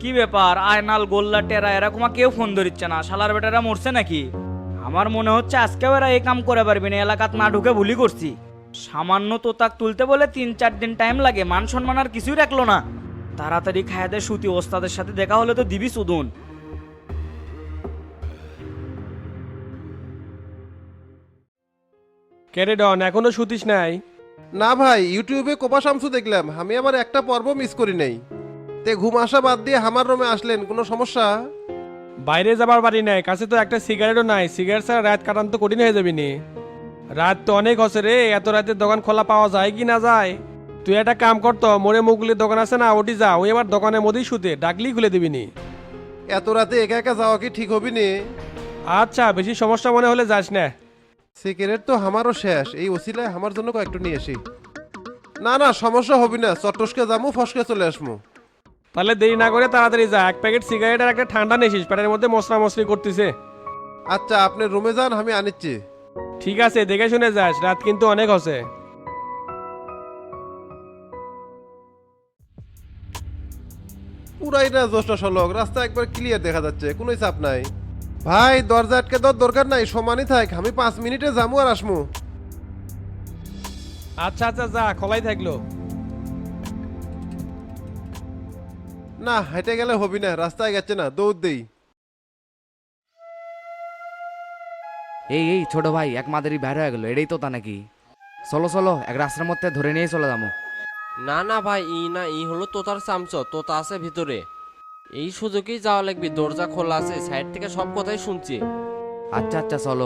কি ব্যাপার আয়নাল গোল্লা টেরা এরকম কেউ ফোন ধরিচ্ছে না, শালার বেটারা মরছে নাকি? আমার মনে হচ্ছে আজকেও এরা এই কাম করে পারবি না, এলাকাত না ঢুকে ভুলি করছি। সামান্য তোতাক তুলতে বলে 3-4 দিন টাইম লাগে, মান সম্মান আর কিছুই রাখলো না। তাড়াতাড়ি খায় দে সুতি, ওস্তাদের সাথে দেখা হলে তো দিবি সুদুন। কেরে ডন এখনো শুতিস নাই? না ভাই, ইউটিউবে কোপা শামসু দেখলাম, আমি আবার একটা পর্ব মিস করি নাই। তে ঘুম আসা বাদ দিয়ে আমার রুমে আসলেন, কোনো সমস্যা? বাইরে যাবার বাড়ি নাই, কাছে তো একটা সিগারেটও নাই, সিগারেট ছাড়া রাত কাটান তো কঠিন হয়ে যাবি নি। রাত তো অনেক হচ্ছে রে, এত রাতে দোকান খোলা পাওয়া যায় কি না যায়? তুই একটা কাম করতো, মোড়ে মুগলির দোকান আছে না, ওটি যা, ওই আবার দোকানের মধ্যেই শুতে, ডাকলি খুলে দিবি নি। এত রাতে একা একা যাওয়া কি ঠিক হবি নে? আচ্ছা, বেশি সমস্যা মনে হলে যাস না। সিগারেট তো আমারও শেষ, এই ওসিলায় আমার জন্য কয়েকটু নিয়ে আসি। না না, সমস্যা হবি না, চট্টসকে যামু, ফসকে চলে আসমু। তাহলে দেরি না করে তাড়াতাড়ি যা, এক প্যাকেট সিগারেট আর একটা ঠান্ডা নিয়েছিস, পেটের মধ্যে মশলা মশলি করতেছে। আচ্ছা, আপনি রুমে যান, আমি আনিচ্ছি। ঠিক আছে, দেখে শুনে যাস, রাত কিন্তু অনেক হচ্ছে। পুরাই না জ্যৈষ্ঠ সলক, রাস্তা একবার ক্লিয়ার দেখা যাচ্ছে, কোনো চাপ নাই। ভাই দরজা আটকে দেওয়ার দরকার নাই, সমানই থাক, আমি 5 মিনিটে যামু আর আসমু। আচ্ছা আচ্ছা, যা, খোলাই থাকলো। না, হেঁটে গেলে হবি না, রাস্তায় গেছে না, দৌড় দেই। এই এই ছোট ভাই, এক মাদারি বাইরে হয়ে গেল, এটাই তো তা নাকি? চলো চলো, এক রাস্তার মধ্যে ধরে নিয়ে চলে যাবো। না না ভাই, ই হলো তোতার চামচ, তোতা আছে ভিতরে। এই সুযোগেই যাওয়া লাগবে, দরজা খোলা আছে, সাইড থেকে সব কথাই শুনছি। আচ্ছা আচ্ছা চলো।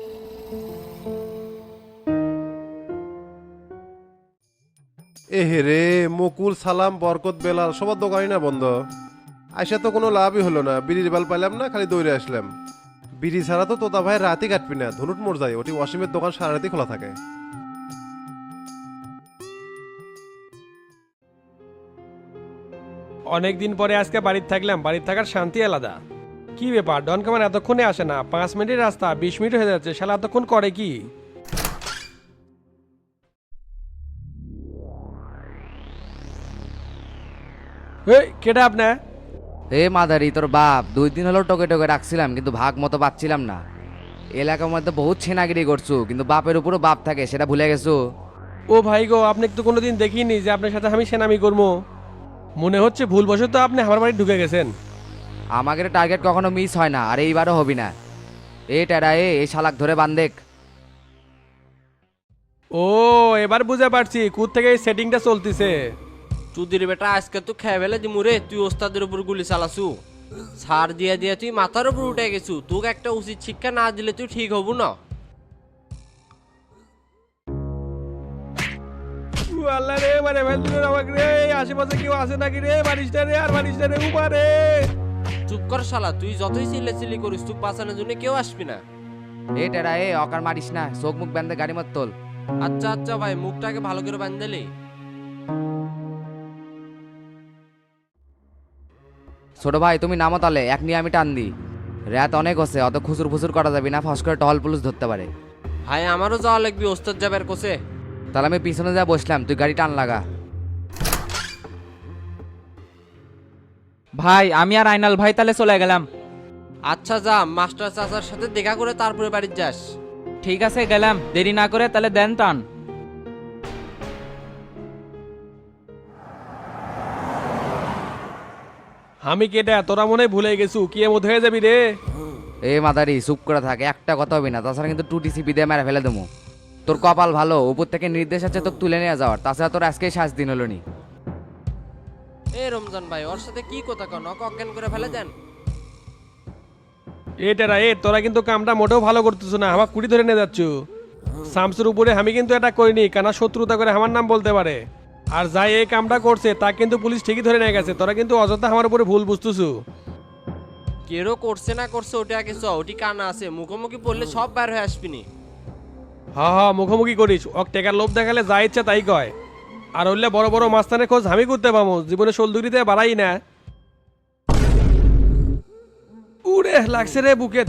এ হে রে, মুকুল, সালাম, বরকত, বেলাল সবার দোকানই না বন্ধ। আইসা তো কোনো লাভই হলো না, বিড়ির বাল পাইলাম না, খালি দৌড়ে আসলাম। বিড়ি ছাড়া তো তোতা ভাই রাতই কাটবি না, ধনুট মোড় যায়, ওটি ওয়াসিমের দোকান সারা রাতই খোলা থাকে। অনেক দিন পরে আজকে বাড়িতে থাকলাম, বাড়িতে থাকার শান্তি আলাদা। কি ব্যাপার, ডন কামান এতক্ষণে আসে না? 5 মিনিটের রাস্তা 20 মিনিট হয়ে যাচ্ছে, শালা এতক্ষণ করে কি? এই কেটা আপনি? এ মাদারি, তোর বাপ 2 দিন হলো টোকে টোকে রাখছিলাম, কিন্তু ভাগ মতো পাচ্ছিলাম না। এলাকার মধ্যে বহুত ছেনাগিরি করছু, কিন্তু বাপের উপরও বাপ থাকে, সেটা ভুলে গেছো? ও ভাই গো, আপনি তো কোনোদিন দেখিনি যে আপনার সাথে আমি সেনামি করবো। মনে হচ্ছে ভুলবশত আপনি আমার বাড়ি ঢুকে গেছেন। আমাদের টার্গেট কখনো মিস হয় না, আর এইবারও হবি না। এ টেরা, এই শালাক ধরে বান্ধেক। ও, এবার বুঝে পারছি কোথ থেকে এই সেটিংটা চলতেছে। চুদির বেটা, আজকে তো খেয়ে ফেলে দিমুরে, তুই ওস্তাদের উপর গুলি চালাছু। ছাড় দিয়ে দিয়ে তুই মাথার উপর উঠে গেছু, তোকে একটা উচিত শিক্ষা না দিলে তুই ঠিক হবু না। ও আল্লাহ রে, মানে ফেলছিল আমাকে রে, আশেপাশে কেউ আছে নাকি রে? বারিশটা রে, আর বারিশটা রে, উপারে। চুপ কর শালা, তুই যতই চিল্লি করিস, তুই বাঁচানোর জন্য কেউ আসবি না। এ টেরা, অকার মারিস না, চোখ মুখ বান্ধে গাড়ি মত তোল। আচ্ছা আচ্ছা ভাই, মুখটাকে ভালো করে বাঁধলি। ছোট ভাই তুমি নামো তালে, এক নিয়ে আমি টান দিই। রাত অনেক হচ্ছে, অত খুচুর ফুচুর করা যাবে না, ফস করে টহল পুলিশ ধরতে পারে। ভাই আমারও যাওয়া লাগবে, ওস্তাদ যাবার কোসে। তাহলে আমি পিছনে যা বসলাম, তুই গাড়ি টান লাগা। ভাই আমি আর আয়নাল ভাই তাহলে চলে গেলাম। আচ্ছা যা, মাস্টার চাচার সাথে দেখা করে তারপরে বাড়ি যাস। ঠিক আছে গেলাম, দেরি না করে তাহলে দেন টান। আমি কেটা, তোরা মনে হয় ভুলে গেছু, কি এমন হয়ে যাবি রে? এ মাদারি চুপ করে থাকে, একটা কথা হবে না, তাছাড়া কিন্তু টুটি সিপি দিয়ে মেরে ফেলে দেবো। তোর কপাল ভালো, উপর থেকে নির্দেশ আছে তোকে তুলে নিয়ে যাওয়ার, তাছাড়া তোর আজকেই 7 দিন হলো নি। এ রমজান ভাই, ওর সাথে কি কথা কন, ওকে অজ্ঞান করে ফেলে দেন। এটারা তোরা কিন্তু কামটা মোটেও ভালো করতেছ না, আমার কুড়ি ধরে নিয়ে যাচ্ছ। শামসুর উপরে আমি কিন্তু এটা করিনি, কেন শত্রুতা করে আমার নাম বলতে পারে। আর যাই এই কামটা করছে তা কিন্তু পুলিশ ঠিকই ধরে নিয়ে গেছে, তোরা কিন্তু অযথা আমার উপরে ভুল বুঝতেছু। কেরো করছে না করছে ওটা আগে চ, ওটি কানা আছে, মুখোমুখি পড়লে সব বাইর হয়ে আসবিনি। হ্যাঁ মুখোমুখি করিস, ওক টেকার লোভ দেখালে যা ইচ্ছা তাই কয়। আর হইলে বড় বড় মাস্তানের খোঁজ আমি করতে পাবো, জীবনে শোলদুরিতে বাড়াই না। উড়ে লাগছে রে বুকেত।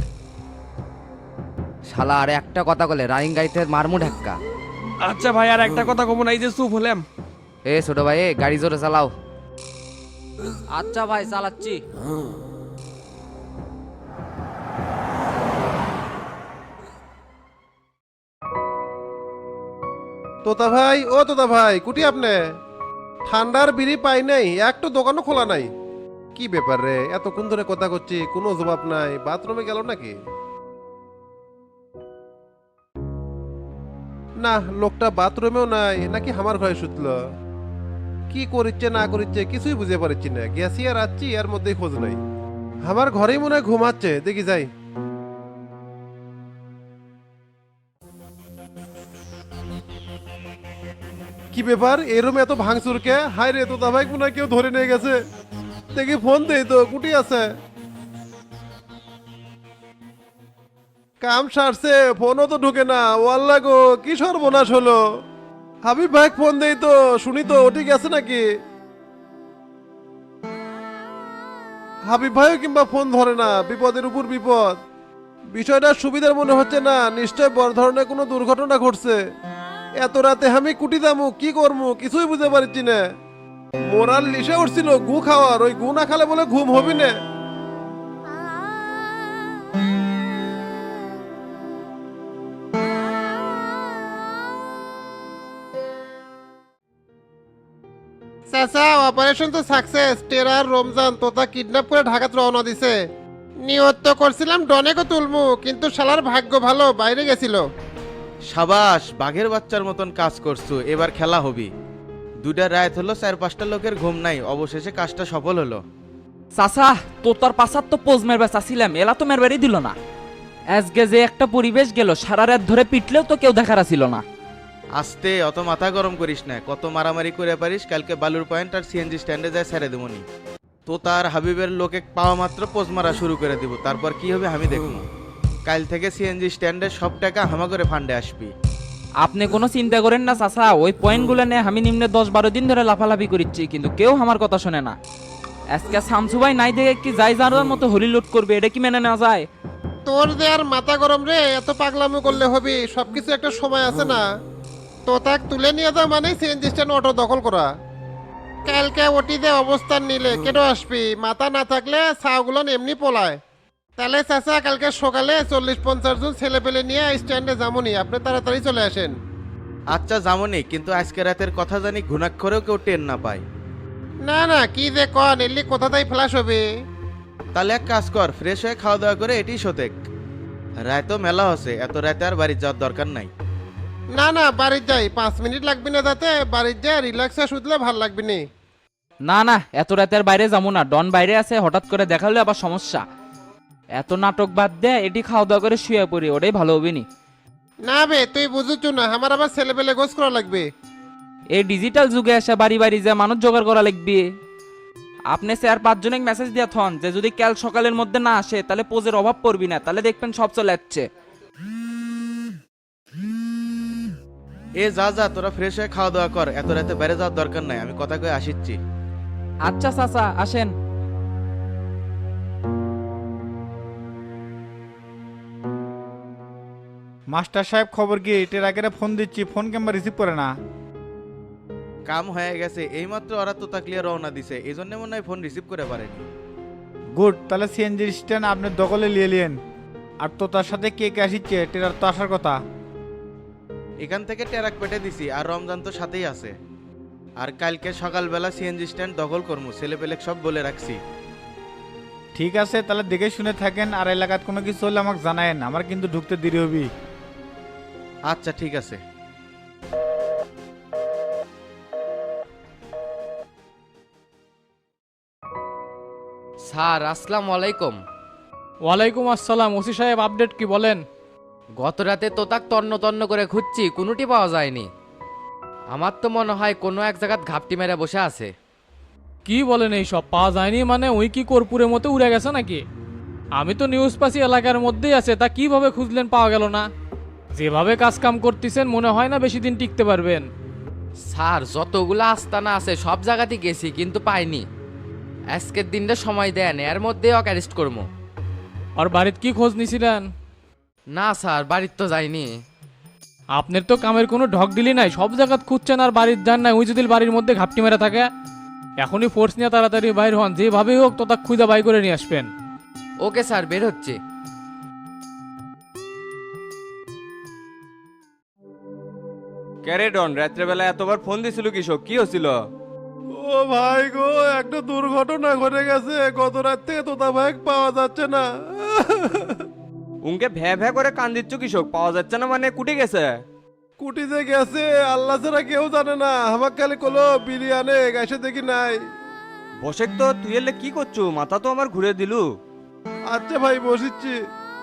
শালা আর একটা কথা বলে রানিং গাড়িতে মারমু ধাক্কা। আচ্ছা ভাই, আর একটা কথা কমন, এই যে চুপ হলাম। এ ছোট ভাই, গাড়ি জোরে চালাও। আচ্ছা ভাই চালাচ্ছি। তোতা ভাই, ও তোতা ভাই, কুটি আপনি? ঠান্ডার বিড়ি পাই নাই, একটু দোকানও খোলা নাই। কি ব্যাপার রে, এতক্ষণ ধরে কথা করছি কোনো জবাব নাই, বাথরুমে গেল নাকি? না, লোকটা বাথরুমেও নাই, নাকি আমার ঘরে শুতলো? কি করিচ্ছে না করিচ্ছে কিছুই বুঝে পারছি না, গেছি আর আসছি এর মধ্যেই খোঁজ নাই। আমার ঘরেই মনে হয় ঘুমাচ্ছে, দেখি যাই। কি ব্যাপার, এই রুমে এত ভাঙচুর কে? হায় রে, তোতা ভাই মনে হয় কেউ ধরে নিয়ে গেছে। দেখি ফোন দেই তো, কুটি আছে? কাম সারছে, ফোনও তো ঢুকে না। ওয়াল্লা গো, কি সর্বনাশ হলো! হাবিব ভাই ফোন দেই তো, শুনি তো ওটি গেছে নাকি। হাবিব ভাইও কিংবা ফোন ধরে না, বিপদের উপর বিপদ। বিষয়টা সুবিধার মনে হচ্ছে না, নিশ্চয় বড় ধরনের কোনো দুর্ঘটনা ঘটছে। এত রাতে আমি কুটি দামু, কি করবো কিছুই বুঝতে পারছি না। মোরাল লিসে উঠছিল গু খাওয়ার, ওই গু না খালে বলে ঘুম হবি না। চাচা, অপারেশন তো success. Terror Ramzan Tota kidnap করে ঢাকাত রওনা দিছে। নিয়ত তো করছিলাম ডনেকও তুলমু, কিন্তু শালার ভাগ্য ভালো, বাইরে গেছিল। সাবাস, বাঘের বাচ্চার মতন কাজ করছো, এবার খেলা হবি। দুটা রাত হলো, 4-5টা লোকের ঘুম নাই, অবশেষে কাজটা সফল হলো। চাচা তোতার পাশার তো পোজ মেরবে চাচ্ছিলাম, এলা তো মেরবারই দিল না। আজকে যে একটা পরিবেশ গেল, সারা রাত ধরে পিটলেও তো কেউ দেখার ছিল না। আস্তে, অত মাথা গরম করিস না, কত মারামারি করে পারিস, কালকে বালুর পয়েন্ট আর সিএনজি স্ট্যান্ডে যায় ছেড়ে দেবনি। তো তার হাবিবের লোকে পাওয়া মাত্র পোজ মারা শুরু করে দিব, তারপর কি হবে আমি দেখবো। কাল থেকে সিএনজি স্ট্যান্ডে সব টাকা হামা করে ফান্ডে আসবি। আপনি কোনো চিন্তা করেন না চাচা, ওই পয়েন্টগুলো নিয়ে আমি নিম্নে 10-12 দিন ধরে লাফালাফি করিচ্ছি, কিন্তু কেউ আমার কথা শোনে না। আজকে শামসু ভাই নাই দেখে কি যাই জানোয়ার মতো হলি লুট করবে, এটা কি মেনে নেওয়া যায়? তোর যে আর মাথা গরম রে, এত পাগলামি করলে হবি? সবকিছু একটা সময় আছে না। তো তাক তুলে নিয়ে যাও মানে সিএনজি স্ট্যান্ড অটো দখল করা। কালকে ওটিতে অবস্থান নিলে কেন আসবি? মাথা না থাকলে ছাগুলো এমনি পোলায়। তাহলে চাচা, কালকে সকালে 40-50 জন ছেলে পেলে নিয়ে স্ট্যান্ডে যামনি, আপনি তাড়াতাড়ি চলে আসেন। আচ্ছা যামনি, কিন্তু আজকে রাতের কথা জানি ঘুণাক্ষরেও কেউ টের না পায়। না না, কি যে কন, এলি কোথাতেই ফ্ল্যাশ হবে। তাহলে এক কাজ কর, ফ্রেশ হয়ে খাওয়া দাওয়া করে এটি শোতেক। রায় তো মেলা হচ্ছে, এত রাতে আর বাড়ি যাওয়ার দরকার নাই। না না, বাড়ির যাই, 5 মিনিট লাগবে না, তাতে বাড়ির যাই রিল্যাক্সে শুতলে ভাল লাগবে নি। না না, এত রাতের বাইরে যাবো না, ডন বাইরে আছে, হঠাৎ করে দেখা হলে আবার সমস্যা। এত নাটক বাদ দে, এটি খাওয়া দাওয়া করে শুয়ে পড়ি, ওটাই ভালো হবে নি। না বে, তুই বুঝুচ্ছ না, আমার আবার ছেলে পেলে গোস করা লাগবে। এই ডিজিটাল যুগে এসে বাড়ি বাড়ি যে মানুষ জোগাড় করা লাগবে। আপনি 4-5 জনে মেসেজ দিয়া থন যে যদি কাল সকালের মধ্যে না আসে তাহলে পোজের অভাব পড়বি না, তাহলে দেখবেন সব চলে যাচ্ছে। এ যা যা, তোরা ফ্রেশ হয়ে খাওয়া দাওয়া কর, এত রাতে বাইরে যাওয়ার দরকার নাই, আমি কথা কয়ে আসিচ্ছি। আচ্ছা চাচা, আসেন। মাস্টার সাহেব, খবর কি? টেরাকেরে ফোন দিচ্ছি, ফোন কিংবা রিসিভ করে না। কাম হয়ে গেছে, এইমাত্র ওরা তো তাকলিয়া রওনা দিছে, এই জন্য মনে হয় ফোন রিসিভ করে পারেনি। গুড, তাহলে সিএনজি স্ট্যান্ড আপনি দখলে নিয়ে নিন। আর তো তার সাথে কে কে আসিচ্ছে? টেরার তো আসার কথা। এখান থেকে টেরাক পেটে দিছি, আর রমজান তো সাথেই আছে। আর কালকে সকালবেলা সিএনজি স্ট্যান্ড দখল করবো, ছেলে পেলে সব বলে রাখছি। ঠিক আছে, তাহলে দেখে শুনে থাকেন, আর এলাকাত কোনো কিছু হলে আমাকে জানায়েন, আমার কিন্তু ঢুকতে দেরি হবি। আচ্ছা ঠিক আছে। স্যার আসসালামু আলাইকুম। ওয়ালাইকুম আসসালাম। ওসি সাহেব, আপডেট কি বলেন? গত রাতে তোতাক তন্ন তন্ন করে খুঁজছি, কোনোটি পাওয়া যায়নি। আমার তো মনে হয় কোনো এক জায়গাত ঘাপটি মেরে বসে আছে। কি বলেন, এই সব পাওয়া যায়নি মানে? ওই কি কর্পূরের মতো উড়ে গেছে নাকি? আমি তো নিউজ পাচ্ছি এলাকার মধ্যেই আছে, তা কিভাবে খুঁজলেন পাওয়া গেল না? যেভাবে কাজ কাম করতেছেন মনে হয় না বেশি দিন টিকতে পারবেন। স্যার যতগুলো আস্তানা আছে সব জায়গাতেই গেছি, কিন্তু পাইনি। আজকের দিনটা সময় দেন, এর মধ্যে ওকে অ্যারেস্ট করবো। আর বাড়িতে কি খোঁজ নিছিলেন? না স্যার, বাড়ির তো যাইনি। আপনার তো কামের কোনো ঢক দিলি নাই, সব জায়গাত খুঁজছেন আর বাড়ির যান নাই। ওই যদি বাড়ির মধ্যে ঘাপটি মেরে থাকে। এখনই ফোর্স নিয়ে তাড়াতাড়ি বাইর হন, যেভাবেই হোক তো তা খুঁজে বাই করে নিয়ে আসবেন। ওকে স্যার, বের হচ্ছে। ক্যারে ডন, রাত্রেবেলা এতবার ফোন দিছিল কৃষক, কি হচ্ছিল? ও ভাই গো, একটা দুর্ঘটনা ঘটে গেছে, গত রাত থেকে তোতা ভাই পাওয়া যাচ্ছে না। উনকে ভ্যা ভ্যা করে কান দিচ্ছ কৃষক, পাওয়া যাচ্ছে না মানে কুটি গেছে? কুটি যে গেছে আল্লাহ ছাড়া কেউ জানে না, আমার খালি কলো বিরিয়ানে গেছে দেখি নাই। বসে তো তুই এলে কি করছো, মাথা তো আমার ঘুরে দিলু। আচ্ছা ভাই বসিচ্ছি।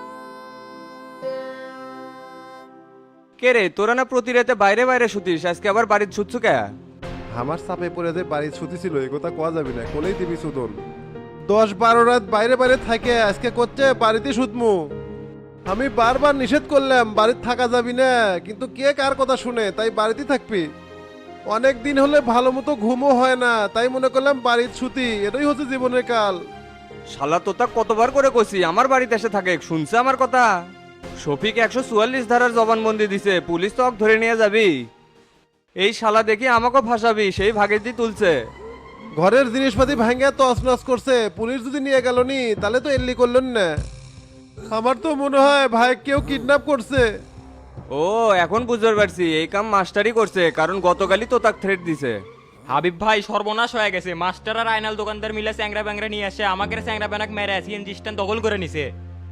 কে রে, তোরা না প্রতি রাতে বাইরে বাইরে শুতিস, আজকে আবার বাড়ির ছুটছু কে? আমার চাপে পড়ে যে বাড়ি ছুটি ছিল এই কথা কোয়া যাবি না, কোলেই দিবি সুদন। 10-12 রাত বাইরে বাইরে থাকে, আজকে করছে বাড়িতে শুতমু। আমি বারবার নিষেধ করলাম বাড়িতে থাকা যাবি না, কিন্তু কে কার কথা শুনে, তাই বাড়িতে থাকবি। অনেক দিন হলে ভালো মতো ঘুমও হয় না, তাই মনে করলাম বাড়ির ছুটি, এটাই হচ্ছে জীবনের কাল। শালা তোতা কতবার করে কইছি আমার বাড়িতে এসে থাকে, শুনছে আমার কথা? শফিক 144 ধারার জবানবন্দি দিছে, পুলিশ তো ওকে ধরে নিয়ে যাবি। এই শালা দেখি আমাকেও ফাঁসাবি, সেই ভাগের দিয়ে তুলছে। ঘরের জিনিসপাতি ভাঙে তছনছ করছে, পুলিশ যদি নিয়ে গেল নি তাহলে তো এল্লি করলেন না। আমার তো মনে হয় ভাই কেউ কিডন্যাপ করছে। ও, এখন বুঝতে পারছি, এই কাম মাস্টারই করছে, কারণ গতকালই তো তাকে থ্রেট দিছে। হাবিব ভাই সর্বনাশ হয়ে গেছে, মাস্টার আর আইনাল দোকানদার মিলে চ্যাংরা ব্যাংরা নিয়ে আসে, আমাকে চ্যাংরা ব্যানাক মেরে সিএনজি স্ট্যান্ড দখল করে নিছে।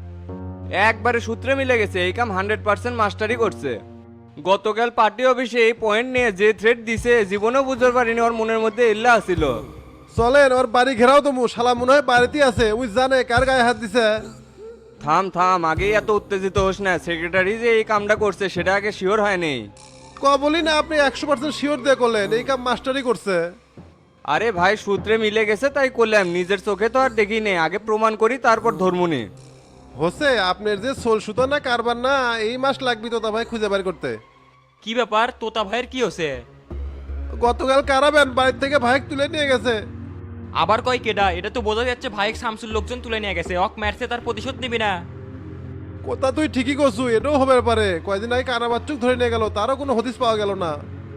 একবারে সূত্রে মিলে গেছে, এই কাম 100% মাস্টারই করছে। গতকাল পার্টি অফিসে এই পয়েন্ট নিয়ে যে থ্রেট দিছে, জীবনেও বুঝতে পারিনি ওর মনের মধ্যে ইল্লা আসিল। চলেন ওর বাড়ি ঘেরাও তো, শালা মনে হয় বাড়িতে আছে, ওই জানে কার গায়ে হাত দিছে। থাম থাম, আগেই এত উত্তেজিত হোস না, সেক্রেটারি যে এই কামটা করছে সেটা আগে শিওর হয়নি। বলি না আপনি 100% শিওর দিয়ে করলেন এই কাম মাস্টারই করছে। আরে ভাই, সূত্রে মিলে গেছে তাই করলাম, নিজের চোখে তো আর দেখি নেই, আগে প্রমাণ করি তারপর ধর্মনি। হোসে আপনার যে সোল সুতো না কারবার না, এই মাস লাগবি তো তা ভাই খুঁজে বের করতে। কি ব্যাপার, তোতা ভাইয়ের কি হচ্ছে? গতকাল কারাবেন বাড়ি থেকে ভাই তুলে নিয়ে গেছে। আবার কয় কেডা? এটা তো বোঝা যাচ্ছে ভাইক শামসুর লোকজন তুলে নিয়ে গেছে, অক মারছে, তার প্রতিশোধ নিবি না? কথা তুই ঠিকই করছু, এটাও হবে পারে। কয়দিন আগে কারাবাচ্চুক ধরে নিয়ে গেল, তারও কোনো হদিস পাওয়া গেল না।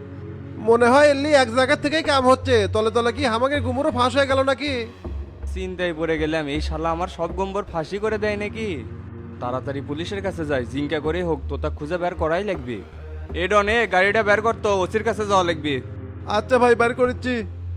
মনে হয় এলি এক জায়গা থেকেই কাম হচ্ছে, তলে তলে কি হামাকে গুমুরও ফাঁস হয়ে গেল নাকি? চিন্তায় পড়ে গেলাম, এই শালা আমার সব গম্বর ফাঁসি করে দেয় নাকি? তাড়াতাড়ি পুলিশের কাছে যাই, জিঙ্কা করে হোক তো তা খুঁজে বের করাই লাগবে। এ ডনে, গাড়িটা বের করতো, ওসির কাছে যাওয়া লাগবে। আচ্ছা ভাই বের করেছি।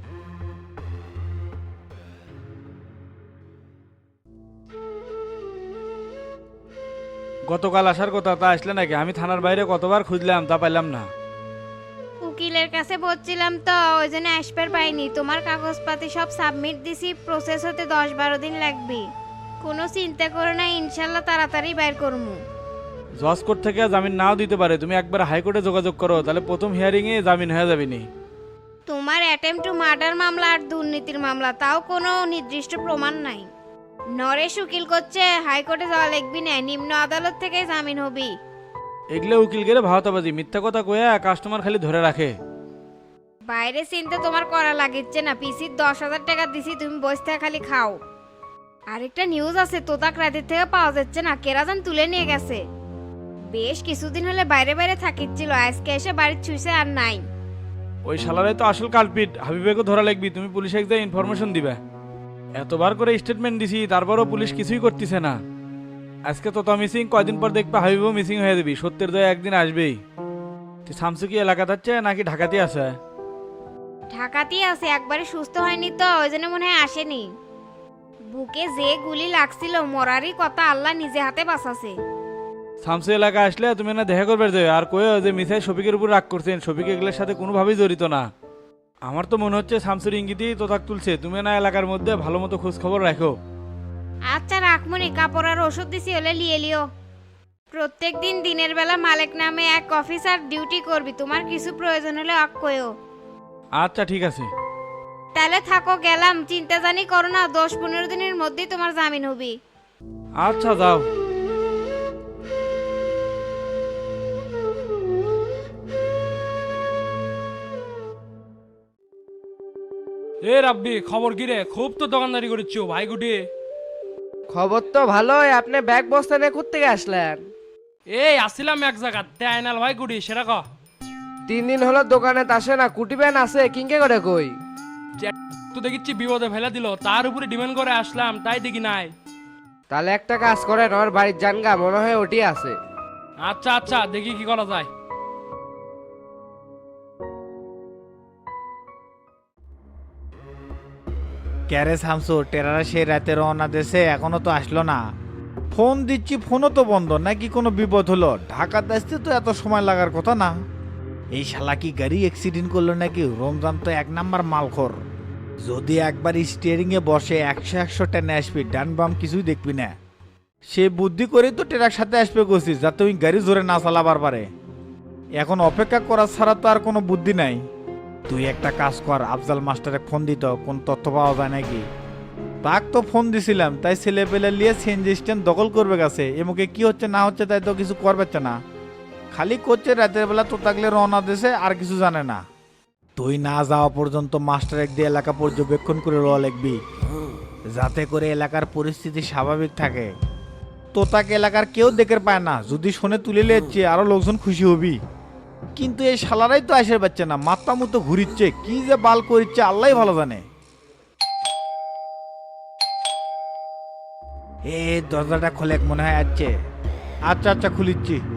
গতকাল আসার কথা, তা আসলে নাকি? আমি থানার বাইরে কতবার খুঁজলাম, তা পাইলাম না। উকিলের কাছে বলছিলাম তো, ওই জন্য আসবার পাইনি। তোমার কাগজপাতি সব সাবমিট দিছি, প্রসেস হতে 10-12 দিন লাগবে। কোনো চিন্তা করো না, ইনশাল্লাহ তাড়াতাড়ি বাইর করবো। জজ কোর্ট থেকে জামিন নাও দিতে পারে, তুমি একবার হাইকোর্টে যোগাযোগ করো, তাহলে প্রথম হিয়ারিংয়ে জামিন হয়ে যাবে নি। তোমার অ্যাটেম্প টু মার্ডার মামলা আর দুর্নীতির মামলা, তাও কোনো নির্দিষ্ট প্রমাণ নাই। নরেশ উকিল করছে হাইকোর্টে যাওয়া লাগবি না, নিম্ন আদালত থেকে জামিন হবি। এগুলো উকিল গেলে ভাওতাবাজি, মিথ্যা কথা কয়ে কাস্টমার খালি ধরে রাখে। বাইরে চিন্তা তোমার করা লাগিচ্ছে না, পিসির 10,000 টাকা দিছি, তুমি বসে থেকে খালি খাও। আরেকটা নিউজ আছে, তোতাক রাতের থেকে পাওয়া যাচ্ছে না, কেরাজান তুলে নিয়ে গেছে। বেশ কিছুদিন হলে বাইরে বাইরে থাকিচ্ছিল, আজকে এসে বাড়ির ছুঁইছে আর নাই। ওই শালারাই তো আসল কালপিট, হাবিবেকে ধরা লাগবি, তুমি পুলিশে গিয়ে ইনফরমেশন দিবে। এতবার করে স্টেটমেন্ট দিছি, তারপরও পুলিশ কিছুই করতেছে না। আজকে তো মিসিং, কয়দিন পর দেখবা হাবিবও মিসিং হয়ে যাবি, সত্যের দয়া একদিন আসবেই। তুই শামসু কি এলাকা যাচ্ছে নাকি ঢাকাতে আছে? ঢাকাতেই আছে, একবারে সুস্থ হয়নি তো, ওই জন্য মনে হয় আসেনি। বুকে যে গুলি লাগছিল, মরারই কথা, আল্লাহ নিজে হাতে বাঁচাছে। শামসু এলাকা আসলে তুমি না দেখা করবে যাবে, আর কয়ে যে মিসাই শফিকের উপর রাগ করছেন, শফিক এগুলোর সাথে কোনোভাবেই জড়িত না। আমার তো মনে হচ্ছে শামসুর ইঙ্গিতেই তোতাক তুলছে, তুমি না এলাকার মধ্যে ভালো মতো খোঁজ খবর রাখো। আচ্ছা রাখমনি, কাপড় আর ওষুধ দিছি, হলে লিয়ে লিও। প্রত্যেক দিন দিনের বেলা মালিক নামে এক অফিসার ডিউটি করবি, তোমার কিছু প্রয়োজন হলে অক কয়ও। আচ্ছা ঠিক আছে। তাহলে থাকো, গেলাম। চিন্তা জানি করো না, 10-15 দিনের মধ্যেই তোমার জামিন হবি। আচ্ছা যাও। এ রাব্বি, খবর কি রে? খুব তো দোকানদারি করেছো ভাই গুটি। খবর তো ভালোই, আপনি ব্যাগ বস্তা নিয়ে থেকে আসলেন? এই আসছিলাম এক জায়গাতে, আইনাল ভাই গুটি, সেটা ক। 3 দিন হলো দোকানে আসে না, কুটি ব্যান আছে কিংকে করে কই? তো দেখিচ্ছি বিপদে ফেলে দিল, তার উপরে ডিমান্ড করে আসলাম, তাই দেখি নাই। তাহলে একটা কাজ করেন, আমার বাড়ির জানগা মনে হয় ওটি আছে। আচ্ছা আচ্ছা, দেখি কি করা যায়। ক্যারে শামসু, টেরারা সেই রাতে রওনা দেশে এখনো তো আসলো না। ফোন দিচ্ছি, ফোনও তো বন্ধ, নাকি কোনো বিপদ হলো? ঢাকাতে আসতে তো এত সময় লাগার কথা না। এই শালা কি গাড়ি অ্যাক্সিডেন্ট করলো নাকি? রমজান তো এক নাম্বার মালখোর। যদি একবার স্টিয়ারিং এ বসে 100 টেনে আসবি, ডান বাম কিছুই দেখবি না। সে বুদ্ধি করেই তো টেরার সাথে আসবে করছিস, যাতে ওই গাড়ি জোরে না চালাবার পারে। এখন অপেক্ষা করা ছাড়া তো আর কোনো বুদ্ধি নাই। তুই একটা কাজ কর, আফজাল মাস্টারে ফোন দিত, কোন তথ্য পাওয়া যায় নাকি? তাক তো ফোন দিছিলাম, তাই ছেলে পেলে নিয়ে সিএনজি স্ট্যান্ড দখল করবে গেছে। এমুকে কি হচ্ছে না হচ্ছে তাই তো কিছু করবে না, খালি করছে রাতের বেলা তো থাকলে রওনা দেশে, আর কিছু জানে না। তুই না যাওয়া পর্যন্ত মাস্টার এক দিয়ে এলাকা পর্যবেক্ষণ করে র লিখবি, যাতে করে এলাকার পরিস্থিতি স্বাভাবিক থাকে। তো তাকে এলাকার কেউ দেখে পায় না, যদি শুনে তুলে নিচ্ছে আরো লোকজন খুশি হবি। কিন্তু এই শালারাই তো আসে পাচ্ছে না, মাথা মতো ঘুরিচ্ছে, কি যে বাল করিচ্ছে আল্লাহ ভালো জানে। দরজাটা খোলে মনে হয়। আচ্ছা আচ্ছা খুলিচ্ছি।